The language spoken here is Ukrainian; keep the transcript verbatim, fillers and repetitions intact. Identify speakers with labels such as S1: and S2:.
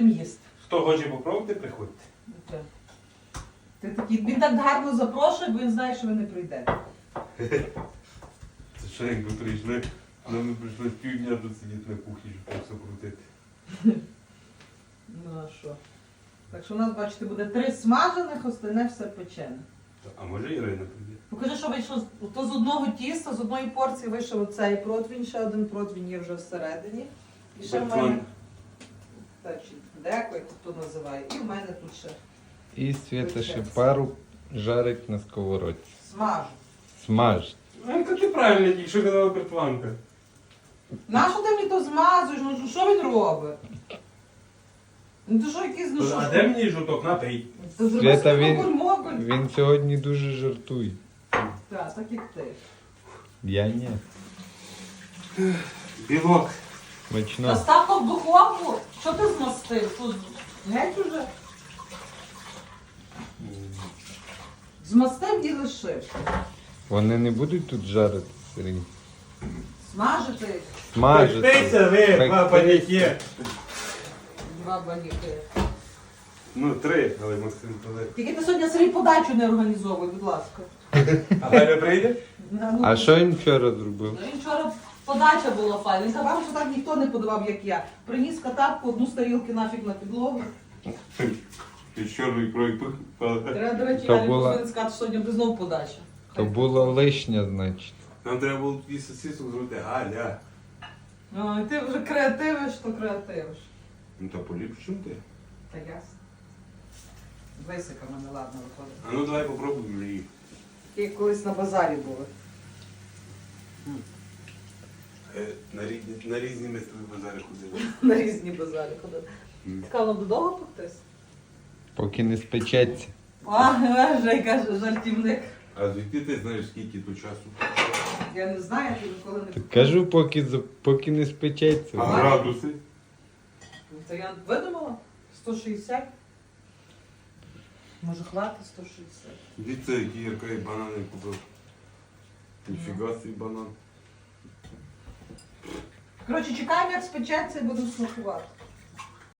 S1: будемо їсти.
S2: Хто хоче попробувати, приходьте.
S1: Ти, ти такий, він так гарно запрошує, бо він знає, що ви не прийдете.
S2: Це що, якби прийшли, але ми прийшли півдня тут сидіти на кухні, щоб так все крутити.
S1: Ну а що? Так що у нас, бачите, буде три смажених, остальне все печене.
S2: А може Ірина прийде?
S1: Покажи, що вийшло. з- То з одного тіста, з одної порції вийшов оцей противень, ще один противень є вже всередині. І ще в мене...
S2: Бетон.
S1: Так, чи деко, як хто називає. І в мене тут ще
S3: І Свята ще пару жарить на сковородці.
S1: смажу.
S3: Смаж.
S2: Ну, це ти правильно, тільки що казала Бертванка.
S1: Нащо ти мені то змазуєш? Ну що він робить? Ну ти що якийсь, ну що
S2: А
S1: ж?
S2: де мені жовток? Напий.
S1: Ти зроби
S3: Свята,
S1: собі
S3: він-
S1: моголь-моголь.
S3: Він сьогодні дуже жартує.
S1: Так, так як ти.
S3: Я ні.
S2: Білок.
S1: Та
S3: Смачно.
S1: став то в духовку. Що ти змастив? Тут геть уже. Змастив і лишив.
S3: Вони не будуть тут жарити, Сергій.
S1: Смажити їх.
S3: Смажити.
S2: Пектися ви,
S3: Пек-
S2: два паніки.
S1: Два баніки.
S2: Ну, три, але Максим туди.
S1: Тільки ти сьогодні собі подачу не організовуй, будь ласка.
S2: А Галя прийде?
S1: Ну,
S3: А що він вчора зробив?
S1: Ну, він вчора подача була файна. Він казав, що так ніхто не подавав, як я. Приніс катапку, одну з тарілки нафіг на підлогу.
S2: Ти з чорної крові пихала.
S1: Треба, до речі,
S3: То
S1: я не
S3: була-
S1: повинен сказати, що сьогодні буде знову подача.
S3: То була лишня, значить.
S2: Нам треба було тоді сосисок зробити. Галя.
S1: Ну, і ти вже креативиш, то креативиш.
S2: Ну та поліпш, чим ти?
S1: Та ясно. Висика в мене ладно виходить.
S2: А ну давай попробуємо її.
S1: Ті колись на базарі були.
S2: Е, На різні, на різні ми з тобою базари ходили.
S1: На різні базарі ходили.
S2: М.
S1: Цікаво, воно довго пектись?
S3: Поки не спечеться.
S1: А, вже каже, жартівник.
S2: А звідки ти знаєш, скільки то часу?
S1: Я не знаю, я ніколи не
S3: Так кажу, поки, за- поки не спечеться.
S2: А градуси?
S1: Це я видумала? сто шістдесят? Може хватить сто шістдесят?
S2: Дивіться, які Ярка і банани купив. Ніфіга свій банан.
S1: Коротше, чекаємо, як спечеться і будемо смакувати.